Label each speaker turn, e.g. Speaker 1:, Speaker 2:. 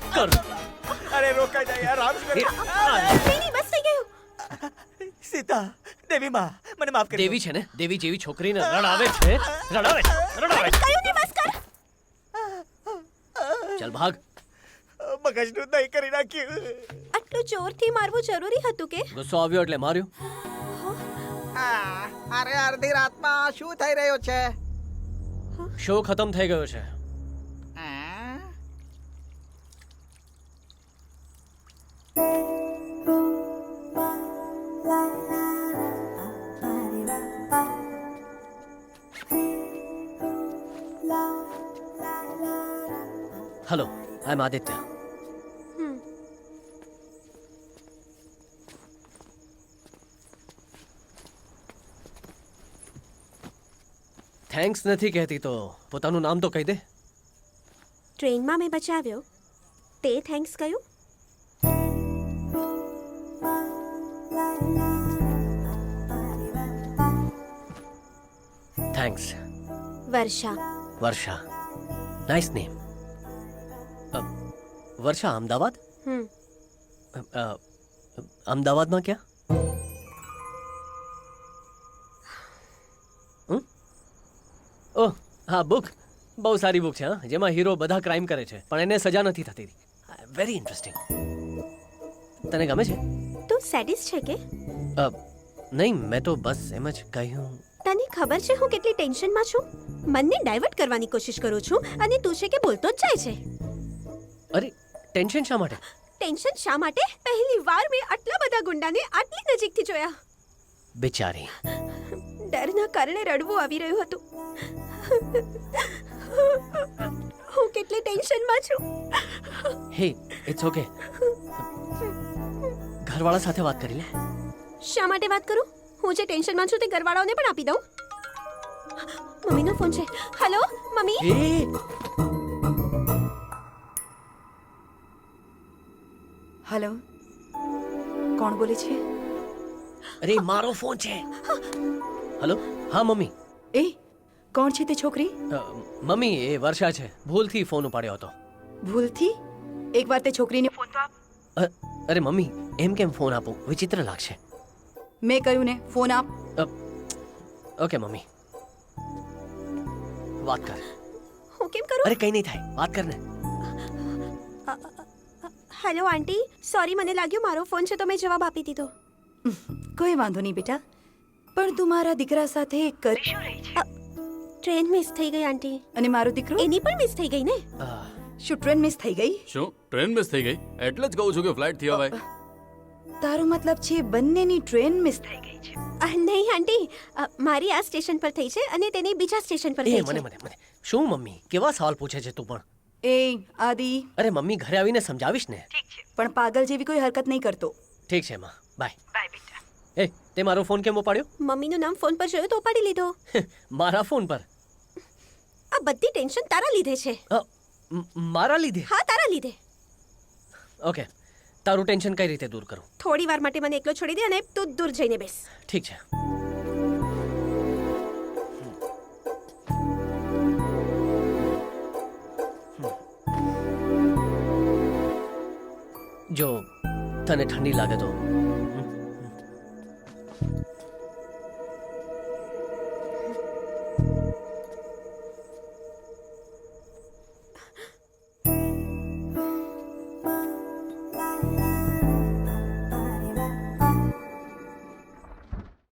Speaker 1: કર.
Speaker 2: અરે રોકાઈ જાય યાર રામ
Speaker 1: એ,
Speaker 3: નહીં બસ થઈ ગયું.
Speaker 2: સીતા દેવી માં મને માફ કરી
Speaker 1: દેવી છે ને, દેવી જેવી છોકરીને રડાવે છે.
Speaker 3: કયું નહીં બસ કર.
Speaker 1: ચાલ ભાગ.
Speaker 2: મગજનું દહીં કરી નાખ્યું.
Speaker 3: આટલું જોરથી મારવું જરૂરી હતું કે?
Speaker 1: ગુસ્સો આવ્યો એટલે માર્યો.
Speaker 4: અરે અડધી રાતમાં શું થઈ રહ્યું છે?
Speaker 1: શો ખતમ થઈ ગયો છે. Hello, I am Aditya. Thanks નથી કહેતી તો પોતાનું નામ તો કહી દે.
Speaker 3: ટ્રેનમાં મેં બચાવ્યો તે થેન્ક્સ કહ્યું?
Speaker 1: Thanks.
Speaker 3: Varsha.
Speaker 1: Varsha. Nice name. Varsha Ahmedabad? અમદાવાદમાં ક્યાં? ઓહ હા, બુક બહુ સારી બુક છે. હા, જેમાં હીરો બધા ક્રાઇમ કરે છે પણ એને સજા નથી થતી. Very interesting. તને ગમે છે?
Speaker 3: તું સેડિસ્ટ છે કે?
Speaker 1: નહીં, મેં તો બસ એમ જ કહ્યું.
Speaker 3: તને ખબર છે હું કેટલી ટેન્શનમાં છું? મનને ડાયવર્ટ કરવાની કોશિશ કરું છું અને તું છે કે બોલતો જ જાય છે.
Speaker 1: અરે ટેન્શન શા માટે?
Speaker 3: ટેન્શન શા માટે? પહેલી વાર મેં આટલા બધા ગુંડાને આટલી નજીકથી જોયા.
Speaker 1: બિચારી.
Speaker 3: ડરના કારણે રડવું આવી રહ્યું હતું. હું કેટલી ટેન્શનમાં છું.
Speaker 1: હે, ઇટ્સ ઓકે. ઘરવાળા સાથે વાત કરી લે.
Speaker 3: શા માટે વાત કરું? હું જે ટેન્શનમાં છું તે ઘરવાળાઓને પણ આપી દઉં. મમ્મીનો ફોન છે. Hello mummy.
Speaker 1: એ
Speaker 5: હેલો, કોણ બોલે છે?
Speaker 1: અરે મારો ફોન છે. હેલો, હા મમ્મી.
Speaker 5: એ કોણ છે તે છોકરી?
Speaker 1: મમ્મી એ વર્ષા છે. ભૂલથી ફોન ઉપાડ્યો હતો.
Speaker 5: ભૂલથી? એકવાર તે છોકરીને ફોન તો આપ.
Speaker 1: અરે મમ્મી, એમ કેમ ફોન આપું? વિચિત્ર લાગશે.
Speaker 5: મેં કહ્યું ને, ફોન આપ.
Speaker 1: ઓકે મમ્મી, વાત કર.
Speaker 3: હું કેમ કરું?
Speaker 1: અરે કઈ નહીં થાય, વાત કર ને.
Speaker 3: હેલો આંટી, સોરી મને લાગ્યું મારો ફોન છે તો મેં જવાબ આપી દીધો.
Speaker 5: કોઈ વાંધો નહીં બેટા, પણ તું મારા દીકરા સાથે કરી શું રહી છે?
Speaker 3: ટ્રેન મિસ થઈ ગઈ આંટી.
Speaker 5: અને મારો દીકરો?
Speaker 3: એની પણ મિસ થઈ ગઈ ને.
Speaker 5: શું ટ્રેન મિસ થઈ ગઈ?
Speaker 6: શું ટ્રેન મિસ થઈ ગઈ? એટલે જ કહું છું કે ફ્લાઇટ થી અવાય.
Speaker 5: તારો મતલબ છે બંનેની ટ્રેન મિસ થઈ ગઈ છે?
Speaker 3: નહીં આંટી, મારી આ સ્ટેશન પર થઈ છે અને તેની બીજા સ્ટેશન પર
Speaker 1: એ
Speaker 3: થઈ
Speaker 1: મને
Speaker 3: છે.
Speaker 1: મને મને શું મમ્મી, કેવા સવાલ પૂછે છે તું પણ?
Speaker 5: એ આદિ.
Speaker 1: અરે મમ્મી, ઘરે આવીને સમજાવીશ ને.
Speaker 5: પણ પાગલ જેવી કોઈ હરકત નહીં કરતો.
Speaker 1: ઠીક છે માં, બાય.
Speaker 5: બાય બેટા.
Speaker 1: એ તે મારો ફોન કેમ ઉપાડ્યો?
Speaker 3: મમ્મીનું નામ ફોન પર જોયું તો ઉપાડી લીધો.
Speaker 1: મારા ફોન પર?
Speaker 3: આ બધી ટેન્શન તારા લીધે છે.
Speaker 1: મારા લીધે?
Speaker 3: હા, તારા લીધે.
Speaker 1: ઓકે, તારું ટેન્શન કઈ રીતે દૂર કરું?
Speaker 3: થોડી વાર માટે મને એકલો છોડી દે અને તું દૂર જઈને બેસ.
Speaker 1: ઠીક છે. જો તને ઠંડી લાગે તો